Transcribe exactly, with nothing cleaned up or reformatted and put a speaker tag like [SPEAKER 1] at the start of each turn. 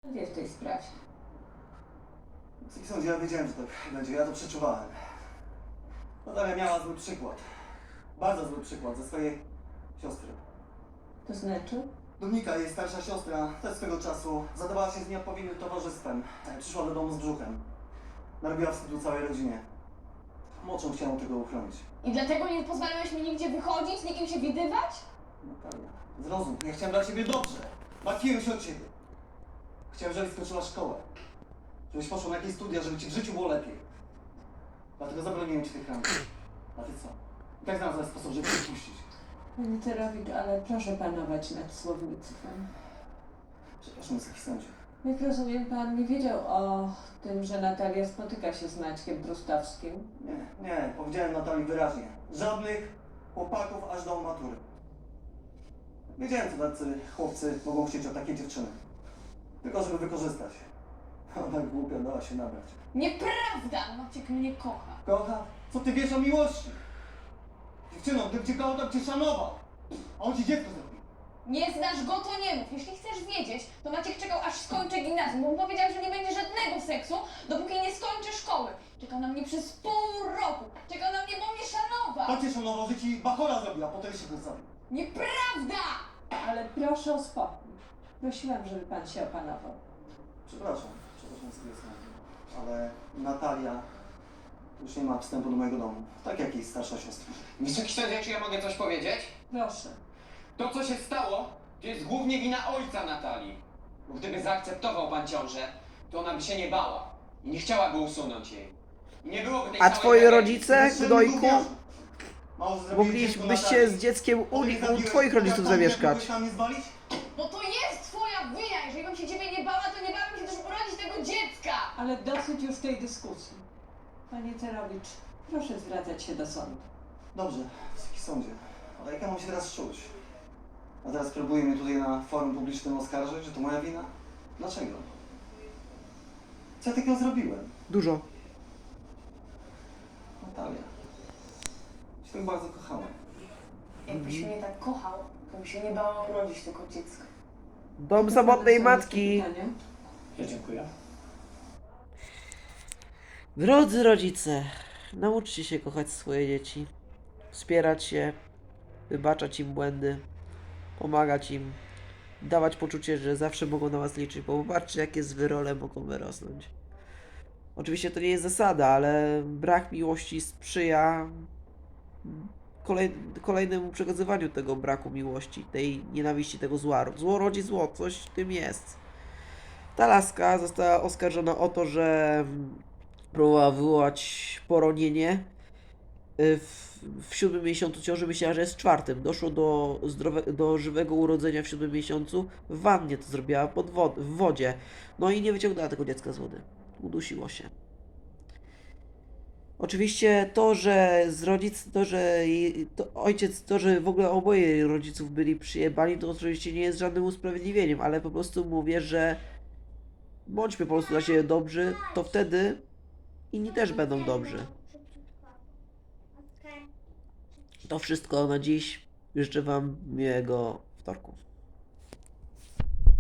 [SPEAKER 1] wie w tej sprawie.
[SPEAKER 2] W sądzie ja wiedziałem, że tak będzie, ja to przeczuwałem. Natalia miała zły przykład. Bardzo zły przykład ze swojej siostry.
[SPEAKER 1] To znaczy?
[SPEAKER 2] Dominika, jej starsza siostra, też swego czasu zadawała się z nieodpowiednim towarzystwem. E, Przyszła do domu z brzuchem. Narobiła wstydu całej rodzinie. Młodszą chciałam tego uchronić.
[SPEAKER 3] I dlatego nie pozwalałeś mi nigdzie wychodzić, z nikim się widywać?
[SPEAKER 2] Natalia, zrozum, ja chciałem dla ciebie dobrze. Martwiłem się o ciebie. Chciałem, żebyś skończyła szkołę. Żebyś poszła na jakieś studia, żeby ci w życiu było lepiej. Dlatego zabroniłem ci tych ram. A ty co? I tak znalazłem sposób, żeby cię puścić.
[SPEAKER 1] Panie Terowicz, ale proszę panować nad słownictwem.
[SPEAKER 2] Przepraszam, Wysoki Sądzie.
[SPEAKER 1] Jak rozumiem, pan nie wiedział o tym, że Natalia spotyka się z Maćkiem Brustowskim?
[SPEAKER 2] Nie, nie, powiedziałem Natalii wyraźnie. Żadnych chłopaków aż do matury. Wiedziałem, co tacy chłopcy mogą chcieć od takiej dziewczyny. Tylko żeby wykorzystać. Ona głupia dała się nabrać.
[SPEAKER 3] Nieprawda! Maciek mnie kocha.
[SPEAKER 2] Kocha, co ty wiesz o miłości? Dziewczyno, gdyby cię kochał, to by cię szanował. A on ci dziecko zrobił.
[SPEAKER 3] Nie znasz go, to nie mów. Jeśli chcesz wiedzieć, to Maciek czekał, aż skończę gimnazjum, bo powiedział, że nie będzie żadnego seksu, dopóki nie skończę szkoły. Czekał na mnie przez pół roku. Czekał na mnie, bo mnie szanował.
[SPEAKER 2] To cię szanował, że ci bachora zrobiła, a potem się go zabił.
[SPEAKER 3] Nieprawda!
[SPEAKER 1] Ale proszę o spokój. Prosiłam, żeby pan się opanował.
[SPEAKER 2] Przepraszam, przepraszam sobie sam. Ale Natalia już nie ma wstępu do mojego domu. Tak jak jej starsza siostra.
[SPEAKER 4] Wysoki sądzie, czy ja mogę coś powiedzieć?
[SPEAKER 1] Proszę.
[SPEAKER 4] To, co się stało, to jest głównie wina ojca Natalii. Bo gdyby zaakceptował pan ciążę, to ona by się nie bała i nie chciałaby usunąć jej. I nie byłoby tej
[SPEAKER 5] A
[SPEAKER 4] całej
[SPEAKER 5] twoje
[SPEAKER 4] tragedii.
[SPEAKER 5] rodzice,
[SPEAKER 2] Wyższymi
[SPEAKER 5] gnojku,
[SPEAKER 2] gówniarzem. Mało, że zrobili dziecko
[SPEAKER 5] moglibyście
[SPEAKER 2] Natalii.
[SPEAKER 5] z dzieckiem u,
[SPEAKER 2] Potem
[SPEAKER 5] u
[SPEAKER 2] zabiłeś
[SPEAKER 5] twoich rodziców
[SPEAKER 2] chłopaka,
[SPEAKER 5] zamieszkać.
[SPEAKER 2] mógłbyś tam nie zwalić?
[SPEAKER 3] Bo to jest twoja wina! Jeżeli bym się ciebie nie bała, to nie bałabym się też urodzić tego dziecka!
[SPEAKER 1] Ale dosyć już tej dyskusji. Panie Terowicz, proszę zwracać się do sądu.
[SPEAKER 2] Dobrze, Wysoki Sądzie. Ale jak ja mam się teraz czuć? A teraz próbuje mnie tutaj na forum publicznym oskarżyć, że to moja wina? Dlaczego? Co ja takiego zrobiłem?
[SPEAKER 5] Dużo.
[SPEAKER 2] Natalia. Się tak bardzo kochałem.
[SPEAKER 3] Jakbyś mnie tak kochał, to bym się nie bała urodzić tego dziecka.
[SPEAKER 5] Dom samotnej
[SPEAKER 1] Są
[SPEAKER 5] matki.
[SPEAKER 1] jeszcze pytania?
[SPEAKER 4] Ja dziękuję.
[SPEAKER 5] Drodzy rodzice, nauczcie się kochać swoje dzieci. Wspierać je, wybaczać im błędy, pomagać im, dawać poczucie, że zawsze mogą na was liczyć, bo popatrzcie, jakie złe role mogą wyrosnąć. Oczywiście to nie jest zasada, ale brak miłości sprzyja kolej, kolejnemu przekazywaniu tego braku miłości, tej nienawiści, tego zła. Zło rodzi zło, coś w tym jest. Ta laska została oskarżona o to, że próbowała wywołać poronienie y, w, w siódmym miesiącu ciąży. Myślała, że jest w czwartym. Doszło do, zdrowe, do żywego urodzenia w siódmym miesiącu. W wannie to zrobiła, pod wod w wodzie. No i nie wyciągnęła tego dziecka z wody. Udusiło się. Oczywiście to, że z rodzic, to, że jej- to ojciec, to, że w ogóle oboje jej rodziców byli przyjebani, to oczywiście nie jest żadnym usprawiedliwieniem, ale po prostu mówię, że bądźmy po prostu dla siebie dobrzy, to wtedy inni też będą dobrzy. To wszystko na dziś. Życzę wam miłego wtorku.